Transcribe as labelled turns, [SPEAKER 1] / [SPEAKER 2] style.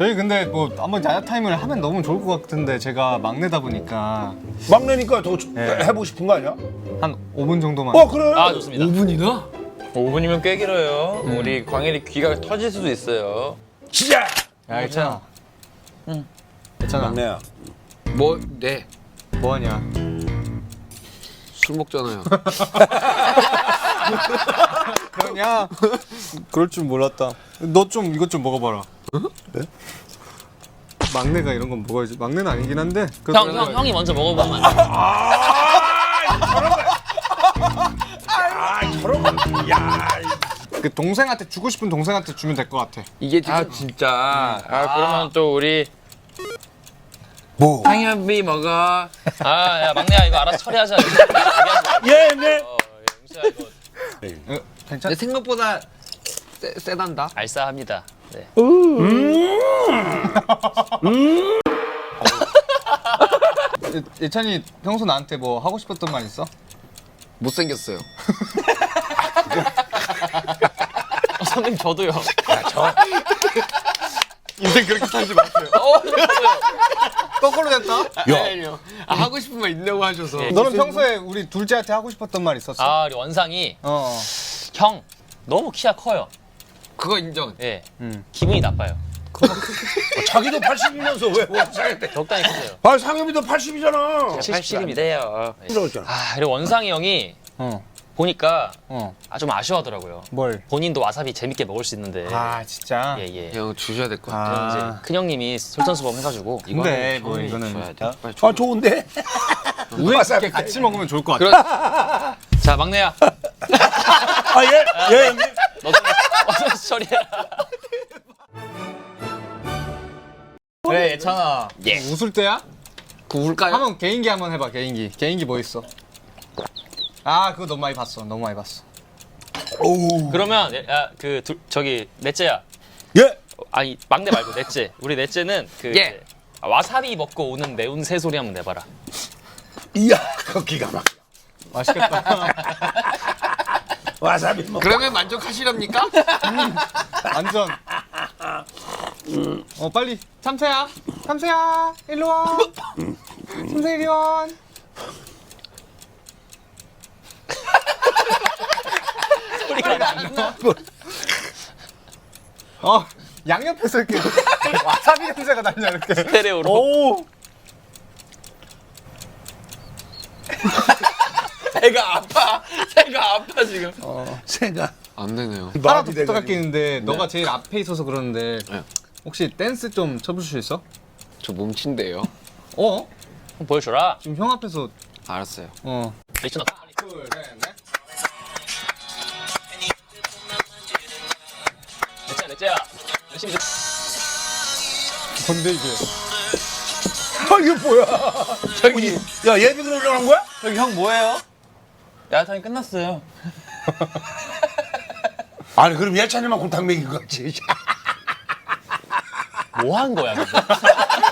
[SPEAKER 1] 저희 근데 뭐 한번 야자 타임을 하면 너무 좋을 것 같은데 제가 막내다 보니까
[SPEAKER 2] 막내니까 더
[SPEAKER 1] 네.
[SPEAKER 2] 해보고 싶은 거 아니야?
[SPEAKER 1] 한 5분 정도만.
[SPEAKER 2] 그래.
[SPEAKER 3] 아 좋습니다.
[SPEAKER 4] 5분이나?
[SPEAKER 3] 5분이면 꽤 길어요. 우리 광일이 귀가 터질 수도 있어요.
[SPEAKER 2] 진짜.
[SPEAKER 1] 야 괜찮아. 응. 괜찮아.
[SPEAKER 2] 막내야.
[SPEAKER 4] 뭐, 네.
[SPEAKER 1] 뭐하냐?
[SPEAKER 4] 술 먹잖아요.
[SPEAKER 1] 그러냐? 그럴 줄 몰랐다. 너 좀 이것 좀 먹어봐라.
[SPEAKER 2] 네?
[SPEAKER 1] 막내가 이런 건 먹어야지. 막내는 아니긴 한데.
[SPEAKER 3] 형이 먼저 먹어보면 안 돼?
[SPEAKER 2] 저런 거. 야.
[SPEAKER 1] 그 동생한테 주고 싶은 동생한테 주면 될 것 같아.
[SPEAKER 4] 이게 지금
[SPEAKER 3] 아 진짜. 그러면 또 우리
[SPEAKER 2] 뭐?
[SPEAKER 4] 상엽이 먹어.
[SPEAKER 3] 야 막내야 이거 알아서 처리하자.
[SPEAKER 2] 예, 네.
[SPEAKER 3] 영수야 이거
[SPEAKER 1] 괜찮?
[SPEAKER 4] 근데 생각보다 세단다.
[SPEAKER 3] 알싸합니다. 네.
[SPEAKER 1] 예찬이 평소 나한테 뭐 하고 싶었던 말 있어?
[SPEAKER 4] 못생겼어요.
[SPEAKER 3] 선생님 저도요.
[SPEAKER 1] 인생 그렇게 살지 마세요. 거꾸로 됐다.
[SPEAKER 2] 야.
[SPEAKER 4] 하고 싶은 말 있냐고 하셔서.
[SPEAKER 3] 네.
[SPEAKER 1] 너는 평소에 우리 둘째한테 하고 싶었던 말 있었어?
[SPEAKER 3] 아 우리 원상이 형 너무 키가 커요.
[SPEAKER 4] 그거 인정.
[SPEAKER 3] 예.
[SPEAKER 1] 음.
[SPEAKER 3] 기분이 나빠요.
[SPEAKER 2] 자기도 80이면서 왜 원상한테?
[SPEAKER 3] 적당히 크세요.
[SPEAKER 2] 아, 상엽이도 80이잖아.
[SPEAKER 3] 70이래요.
[SPEAKER 2] 그러잖아.
[SPEAKER 3] 그리고 원상이 형이
[SPEAKER 1] 어.
[SPEAKER 3] 보니까
[SPEAKER 1] 어.
[SPEAKER 3] 좀 아쉬워하더라고요.
[SPEAKER 1] 뭘?
[SPEAKER 3] 본인도 와사비 재밌게 먹을 수 있는데.
[SPEAKER 1] 아 진짜.
[SPEAKER 3] 예예.
[SPEAKER 4] 형 주셔야 될 것 같아.
[SPEAKER 1] 아.
[SPEAKER 3] 이제 큰 형님이 솔선수범 해가지고
[SPEAKER 1] 근데 뭐 이거는
[SPEAKER 4] 빨리 줘.
[SPEAKER 2] 아, 좋은데.
[SPEAKER 1] 우리 이렇게 같이 먹으면 좋을 것 같아.
[SPEAKER 3] 자 막내야
[SPEAKER 2] 아, 예. 예, 형님.
[SPEAKER 3] 너도 어서 처리해라.
[SPEAKER 1] 그래 예찬아.
[SPEAKER 3] 예.
[SPEAKER 1] 웃을 때야?
[SPEAKER 4] 구울까요?
[SPEAKER 1] 한번 개인기 한번 해봐. 개인기. 개인기 뭐 있어? 아 그거 너무 많이 봤어. 너무 많이 봤어.
[SPEAKER 2] 오.
[SPEAKER 3] 그러면 저기 넷째야.
[SPEAKER 2] 예.
[SPEAKER 3] 아니 막내 말고 넷째. 우리 넷째는 그
[SPEAKER 4] 예.
[SPEAKER 3] 이제 와사비 먹고 오는 매운 새소리 한번 내봐라.
[SPEAKER 2] 이야, 그 기가 막혀.
[SPEAKER 1] 맛있겠다.
[SPEAKER 2] 와사비 먹.
[SPEAKER 4] 그러면 만족하시렵니까?
[SPEAKER 1] 완전. 빨리 참새야. 참새야 일로 와. 참새 이리 와.
[SPEAKER 3] 소리가 안 나.
[SPEAKER 1] 양옆에서 이렇게 와사비 냄새가 나냐 이렇게.
[SPEAKER 3] 스테레오로.
[SPEAKER 1] 오.
[SPEAKER 4] 애가 아파. 애가 아파 지금.
[SPEAKER 2] 새가.
[SPEAKER 4] 안 되네요.
[SPEAKER 1] 하나 더 부탁할 게 있는데 너가 제일 앞에 있어서 그러는데
[SPEAKER 4] 네.
[SPEAKER 1] 혹시 댄스 좀 쳐줄 수 있어?
[SPEAKER 4] 저 몸친데요.
[SPEAKER 3] 한번 보여줘라.
[SPEAKER 1] 지금 형 앞에서
[SPEAKER 4] 알았어요.
[SPEAKER 3] 리치너.
[SPEAKER 1] 둘, 셋, 넷.
[SPEAKER 3] 넷째야. 열심히 좀.
[SPEAKER 1] 뭔데 이게?
[SPEAKER 2] 아, 이게 뭐야? 저기. 야, 예비군 올라간 거야?
[SPEAKER 3] 여기 형 뭐예요? 야타임 끝났어요.
[SPEAKER 2] 아니, 그럼 예찬이만 골탕 먹인 거지.
[SPEAKER 3] 뭐 한 거야? 근데?